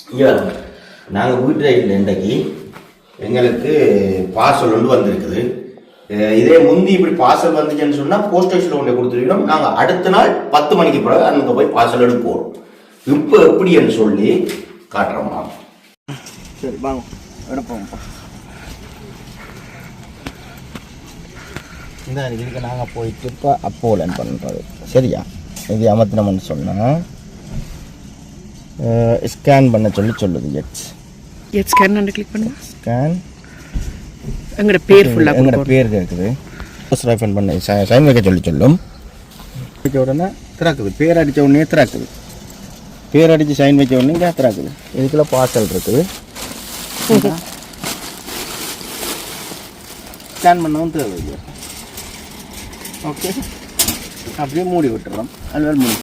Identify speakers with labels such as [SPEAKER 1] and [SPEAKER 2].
[SPEAKER 1] ஐயா நாங்கள் வீட்டில் இல்லை இன்றைக்கு எங்களுக்கு பார்சல் ஒன்று வந்திருக்குது. இதே முந்தி இப்படி பார்சல் வந்துச்சுன்னு சொன்னால் போஸ்ட் ஆஃபீஸில் கொண்டு கொடுத்துருக்கணும். நாங்கள் அடுத்த நாள் 10 மணிக்கு பிறகு அங்கே போய் பார்சல் எடுப்போம். இப்போ எப்படின்னு சொல்லி காட்டுறோம்மா.
[SPEAKER 2] சரி வாங்க எடுப்போம்ப்பா. இந்த இதுக்கு நாங்கள் போயிட்டு இப்போ அப்போலன்னு பண்ணுறது சரியா? இது அமர்த்தினோம்னு சொன்னால் ஸ்கேன் பண்ண சொல்லுது.
[SPEAKER 3] எட் ஸ்கேன் பண்ணி கிளிக் பண்ணுங்க.
[SPEAKER 2] ஸ்கேன்
[SPEAKER 3] எங்களோட பேர் ஃபுல்லாக
[SPEAKER 2] எங்களோட பேர் இருக்குது. ரைஃபன் பண்ண சைன் வைக்க சொல்லும். வைக்க உடனே திறக்குது. பேர் அடித்த உடனே திறக்குது. பேர் அடித்து சைன் வைக்க உடனே இங்கே திறக்குது. இதுக்குள்ள பார்சல் இருக்குது. ஸ்கேன் பண்ணவும் தேவை. ஓகே அப்படியே மூடி விட்டுறோம். அதுவே மூடி